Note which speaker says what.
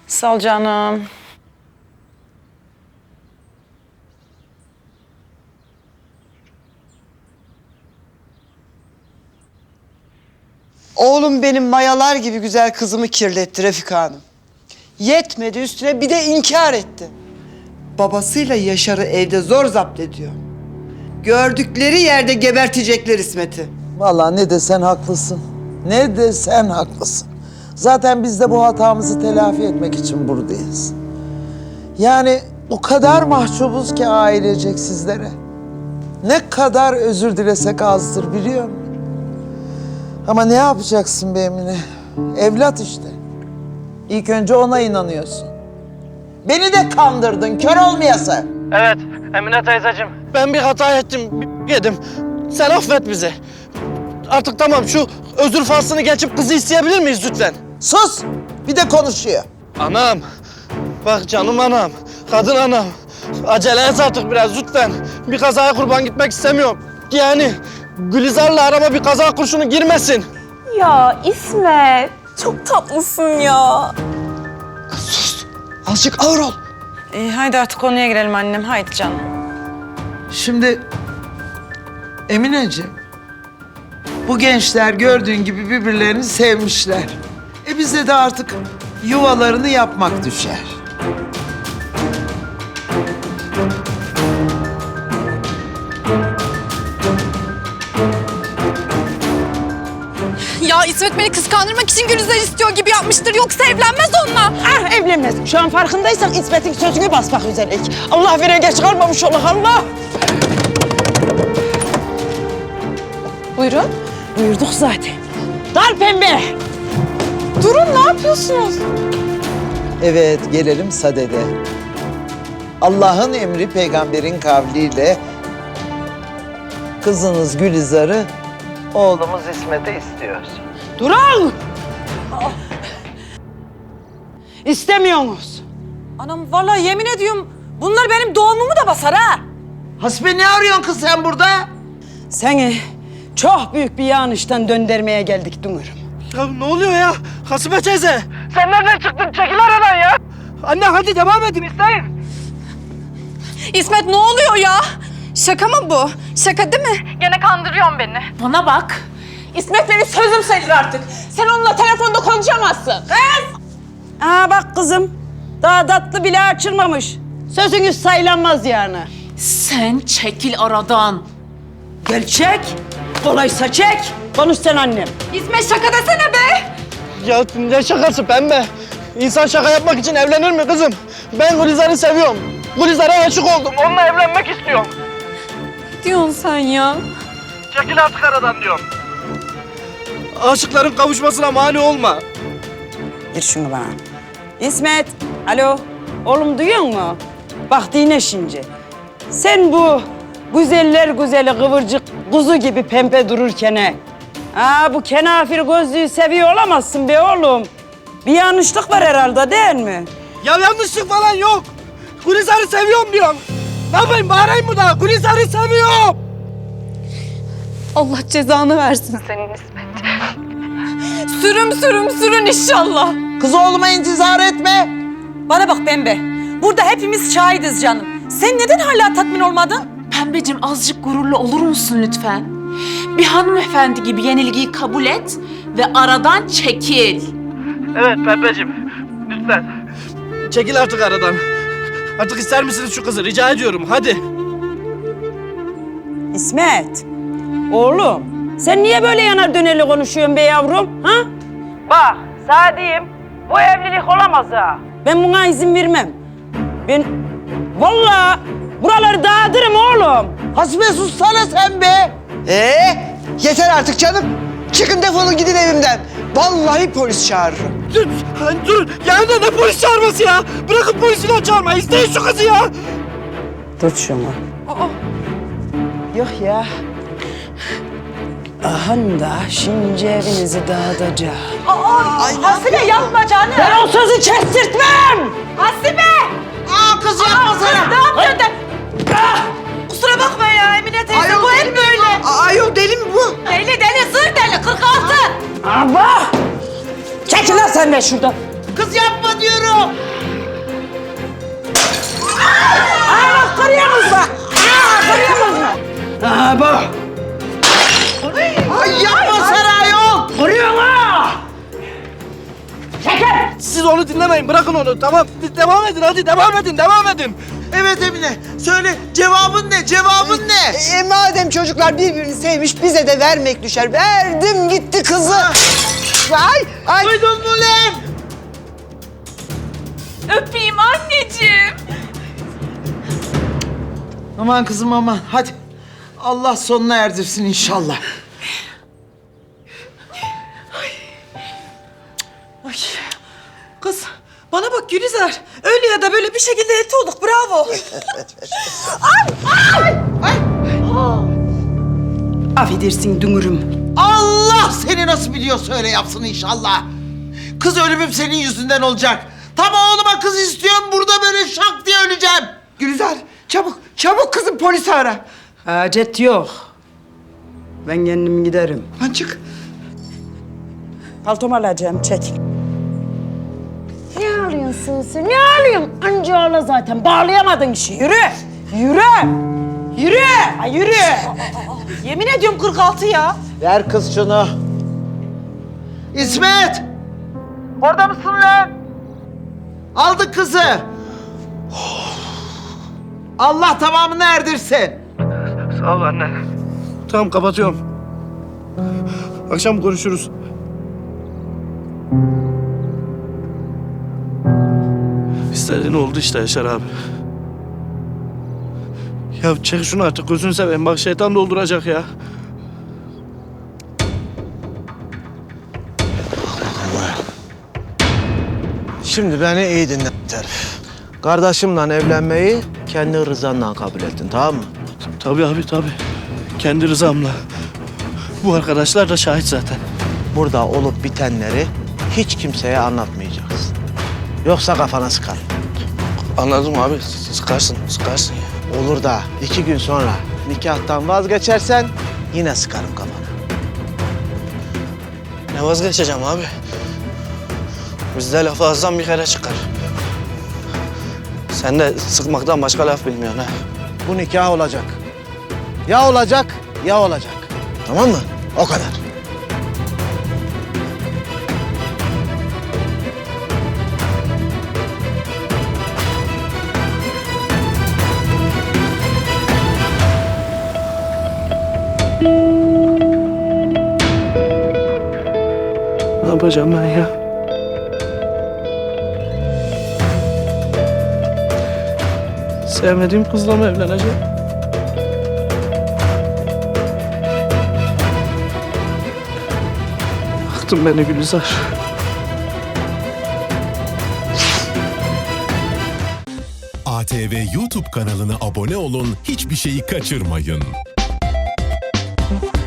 Speaker 1: Sağ ol canım.
Speaker 2: Oğlum benim mayalar gibi güzel kızımı kirletti Refika Hanım. Yetmedi üstüne bir de inkar etti. Babasıyla Yaşar'ı evde zor zapt ediyor. Gördükleri yerde gebertecekler İsmet'i.
Speaker 3: Vallahi ne desen haklısın. Ne desen haklısın. Zaten biz de bu hatamızı telafi etmek için buradayız. Yani o kadar mahcubuz ki ailecek sizlere. Ne kadar özür dilesek azdır biliyor musun? Ama ne yapacaksın be Emine? Evlat işte. İlk önce ona inanıyorsun. Beni de kandırdın, kör olmayasın.
Speaker 4: Evet Emine teyzeciğim. Ben bir hata ettim, yedim. Sen affet bizi. Artık tamam şu özür faslını geçip kızı isteyebilir miyiz lütfen?
Speaker 3: Sus! Bir de konuşuyor.
Speaker 4: Anam. Bak canım anam. Kadın anam. Acele et artık biraz lütfen. Bir kazaya kurban gitmek istemiyorum. Yani Gülizar'la arama bir kaza kurşunu girmesin.
Speaker 5: Ya İsmet, çok tatlısın ya.
Speaker 2: Azıcık ağır ol.
Speaker 1: Haydi artık konuya girelim annem. Haydi canım.
Speaker 3: Şimdi Emineciğim, bu gençler gördüğün gibi birbirlerini sevmişler. Bize de artık yuvalarını yapmak düşer.
Speaker 5: Ya İsmet beni kıskandırmak için Gülizar istiyor gibi yapmıştır. Yoksa evlenmez onunla.
Speaker 1: Ah evlenmez. Şu an farkındaysan İsmet'in sözünü basmak üzereyiz. Allah vere geç kalmamış olur Allah.
Speaker 5: Buyurun.
Speaker 1: Buyurduk zaten. Dar pembe.
Speaker 5: Durun, ne yapıyorsunuz?
Speaker 3: Evet, gelelim sadede. Allah'ın emri peygamberin kavliyle kızınız Gülizar'ı oğlumuz İsmet'e istiyoruz.
Speaker 1: Durun. İstemiyorsunuz.
Speaker 6: Anam vallahi yemin ediyorum bunlar benim doğumumu da basar ha.
Speaker 3: Hasbe ne arıyorsun kız sen burada?
Speaker 1: Seni çok büyük bir yanlıştan döndürmeye geldik Dünür'üm.
Speaker 4: Ya ne oluyor ya? Hasibe teyze. Sen nereden çıktın? Çekil aradan ya. Anne hadi devam edin isteyin.
Speaker 5: İsmet ne oluyor ya? Şaka mı bu? Şaka değil mi? Gene kandırıyorsun beni.
Speaker 6: Bana bak. İsmet benim sözüm sayılır artık. Sen onunla telefonda konuşamazsın. Kız!
Speaker 1: Aa bak kızım. Daha tatlı bile açılmamış. Sözünüz saylanmaz yani.
Speaker 6: Sen çekil aradan.
Speaker 1: Gel çek. Kolaysa çek. Konuş sen annem.
Speaker 5: İsmet şaka desene be.
Speaker 4: Ya ne şakası pembe? İnsan şaka yapmak için evlenir mi kızım? Ben Gülizar'ı seviyorum. Gülizar'a aşık oldum. Onunla evlenmek istiyorum.
Speaker 5: Diyorsun sen ya.
Speaker 4: Çekil artık aradan diyorum. Aşıkların kavuşmasına mani olma.
Speaker 1: Ver şunu bana. İsmet. Alo. Oğlum duyuyor musun? Bak dinle şimdi. Sen bu güzeller güzeli kıvırcık kuzu gibi pembe dururken bu kenafir gözlüğü seviyor olamazsın be oğlum. Bir yanlışlık var herhalde değil mi?
Speaker 4: Ya yanlışlık falan yok. Gülizar'ı seviyorum diyorum. Ne yapayım bağırayım mı daha? Gülizar'ı seviyorum.
Speaker 5: Allah cezanı versin senin İsmet. Sürün inşallah.
Speaker 3: Kız oğluma intizar etme.
Speaker 6: Bana bak Pembe. Burada hepimiz şahidiz canım. Sen neden hala tatmin olmadın?
Speaker 7: Pembeciğim azıcık gururlu olur musun lütfen? Bir hanımefendi gibi yenilgiyi kabul et ve aradan çekil.
Speaker 4: Evet Pembeciğim. Lütfen. Çekil artık aradan. Artık ister misiniz şu kızı? Rica ediyorum. Hadi.
Speaker 1: İsmet. Oğlum sen niye böyle yanar dönerli konuşuyorsun be yavrum? Ha? Bak Sadi'yim. Bu evlilik olamaz ha. Ben buna izin vermem. Ben vallahi buraları dağıtırım oğlum.
Speaker 3: Hasbe sussana sen be.
Speaker 2: Yeter artık canım. Çıkın defolun gidin evimden. Vallahi polis çağırırım.
Speaker 4: Dur, durun. Ya ne polis çağırması ya? Bırakın polisi de çağırma. İsteyin şu kızı ya.
Speaker 1: Tut şunu. Yok ya. Ahan da şimdi evinizi dağıtacağım.
Speaker 6: Hasibe yapma canım.
Speaker 1: Ben o sözü kestirtmem.
Speaker 6: Hasibe!
Speaker 3: Kız yapmasana.
Speaker 6: Ne yapıyorsun de? Kusura bakma ya Emine teyze bu hep böyle.
Speaker 2: Ayol deli mi bu?
Speaker 6: Deli zır deli 46.
Speaker 1: Abla! Çekil lan sen de şuradan.
Speaker 3: Kız yapma diyor. yürü.
Speaker 1: Kırıyorsunuz bak. Kırıyorsunuz mu? Bu.
Speaker 3: Ay yapma Seray ol.
Speaker 1: Kırıyorsun ha.
Speaker 4: Siz onu dinlemeyin, bırakın onu. Tamam, devam edin hadi, devam edin.
Speaker 3: Evet Emine söyle cevabın ne cevabın ne?
Speaker 2: Madem çocuklar birbirini sevmiş bize de vermek düşer. Verdim gitti kızı. Ay.
Speaker 3: Duydun mu lan?
Speaker 7: Öpeyim anneciğim.
Speaker 3: Aman kızım aman hadi. Allah sonuna erdirsin inşallah.
Speaker 1: Ay. Kız bana bak Gülizar. Öyle ya da böyle bir şekilde elti olduk. Bravo. Affedersin dünürüm.
Speaker 3: Allah seni nasıl biliyorsa öyle yapsın inşallah. Kız ölümüm senin yüzünden olacak. Tam oğluma kız istiyorum burada böyle şak diye öleceğim.
Speaker 2: Gülizar çabuk kızım polisi ara.
Speaker 1: Hacet yok. Ben kendim giderim.
Speaker 2: Lan çık.
Speaker 1: Paltomu alacağım. Çekil.
Speaker 8: Ne ağlıyorsun sen? Ne ağlıyorsun? Anca ağla zaten. Bağlayamadın işi.
Speaker 1: Yürü. Yürü. Yürü. Ay yürü. Yemin ediyorum 46 ya.
Speaker 3: Ver kız şunu. İsmet! Orada mısın lan? Aldık kızı. Allah tamamını erdirsin.
Speaker 4: Sağ ol anne. Tamam, kapatıyorum. Akşam konuşuruz. İstediğin oldu işte Yaşar abi. Ya çek şunu artık, gözünü seveyim. Bak şeytan dolduracak ya.
Speaker 9: Şimdi beni iyi dinle herif. Kardeşimle evlenmeyi kendi rızanla kabul ettin, tamam mı?
Speaker 4: Tabii abi, tabii. Kendi rızamla. Bu arkadaşlar da şahit zaten.
Speaker 9: Burada olup bitenleri hiç kimseye anlatmayacaksın. Yoksa kafana sıkar.
Speaker 4: Anladım abi. Sıkarsın ya.
Speaker 9: Olur da 2 gün sonra nikahtan vazgeçersen yine sıkarım kafana.
Speaker 4: Ne vazgeçeceğim abi? Bizde laf ağızdan bir kere çıkar. Sen de sıkmaktan başka laf bilmiyorsun ha.
Speaker 9: Bu nikah olacak. Ya olacak ya olacak. Tamam mı? O kadar.
Speaker 4: Ne yapacağım ben ya? Sevmediğim kızla mı evleneceğim? Yaktın beni Gülizar.
Speaker 10: ATV YouTube kanalına abone olun, hiçbir şeyi kaçırmayın.